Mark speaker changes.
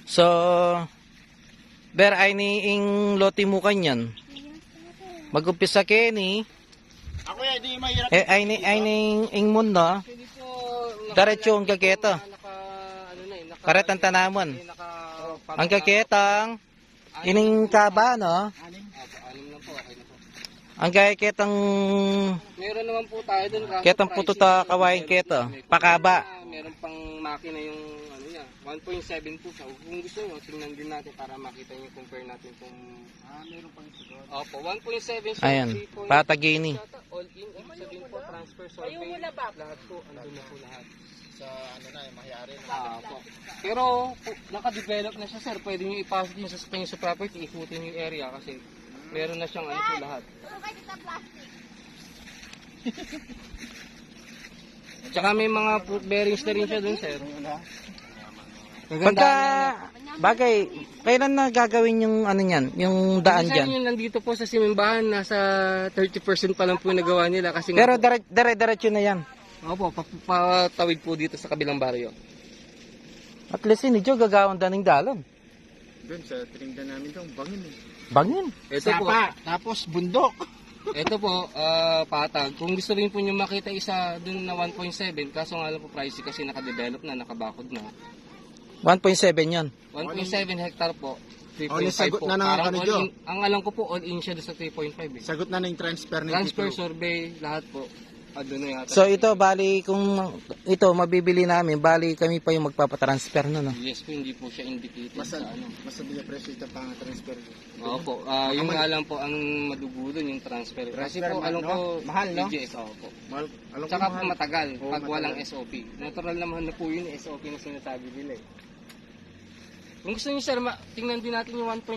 Speaker 1: So, ber ay ni ing loti mo kanyan. Mag-umpisa kini.
Speaker 2: Ako yan, di mahirap.
Speaker 1: Ay ni ing mundo.
Speaker 3: Hindi po
Speaker 1: Diretso ang kaketa. Karet ang tanamon. Ang kaketang ining kaba, no?
Speaker 3: Anim lang po, okay na po.
Speaker 1: Ang kaketang
Speaker 3: Meron naman po tayo dun.
Speaker 1: ketang puto ta kawain keto. Pakaba.
Speaker 3: Meron pang makina yung ano niya, 1.7 po siya. Kung gusto nyo, tingnan din natin para makita nyo, compare natin kung meron pang ito doon. Opo, 1.7 siya.
Speaker 1: Ayan,
Speaker 3: 3.6
Speaker 1: patagini.
Speaker 3: yata, all in, ibig sabihin po, transfer, survey, lahat po, andun na po lahat.
Speaker 2: Sa ano na, mahiyari na.
Speaker 3: Po. Pero naka-develop na siya, sir. Pwede nyo ipasok mo sa nyo sa property, ikutin yung area kasi meron na siyang ano po lahat. Tsaka may mga fruit bearings na rin siya dun, sir.
Speaker 1: Pagka bagay, kailan na gagawin yung ano niyan, yung daan
Speaker 3: Minsan
Speaker 1: diyan?
Speaker 3: yun nandito po sa simbahan, nasa 30% pa lang po yung nagawa nila kasi
Speaker 1: Pero dire-diretso na yan.
Speaker 3: opo, patawid po dito sa kabilang baryo.
Speaker 1: At least hindi jo gagawin daning dalon.
Speaker 2: Doon sa tinignan namin doon, bangin eh.
Speaker 1: Bangin.
Speaker 3: Ito po,
Speaker 2: tapos bundok.
Speaker 3: ito po, patag. Kung gusto rin po nyo makita isa dun na 1.7, kaso nga lang po pricey kasi nakadevelop na, nakabakod na.
Speaker 1: 1.7 yon.
Speaker 3: 1.7 hectare po,
Speaker 2: Only
Speaker 3: 3.5
Speaker 2: sagot
Speaker 3: po.
Speaker 2: na ng
Speaker 3: Parang
Speaker 2: ano,
Speaker 3: all
Speaker 2: Jo?
Speaker 3: in, ang alam ko po, all in siya doon sa 3.5 eh.
Speaker 2: Sagot na ng transfer ng
Speaker 3: Transfer,
Speaker 2: titulo.
Speaker 3: survey, lahat po. Doon na yata.
Speaker 1: So ito bali kung ito mabibili namin, bali kami pa yung magpapatransfer no.
Speaker 3: Yes po, hindi po siya indicated
Speaker 2: Basta,
Speaker 3: sa ano.
Speaker 2: basta biya presyo ito pang transfer.
Speaker 3: Opo, yung nga lang po ang madugo doon yung transfer. Kasi
Speaker 2: Transfer,
Speaker 3: po alam
Speaker 2: no?
Speaker 3: ko
Speaker 2: Mahal, no?
Speaker 3: PGS, opo.
Speaker 2: Mahal, alam ko
Speaker 3: Tsaka po
Speaker 2: mahal.
Speaker 3: matagal
Speaker 2: Oo,
Speaker 3: pag
Speaker 2: matagal.
Speaker 3: walang SOP. Natural naman na po yun SOP na sinasabi nila eh. Kung gusto niyo sir, tingnan din natin yung 1.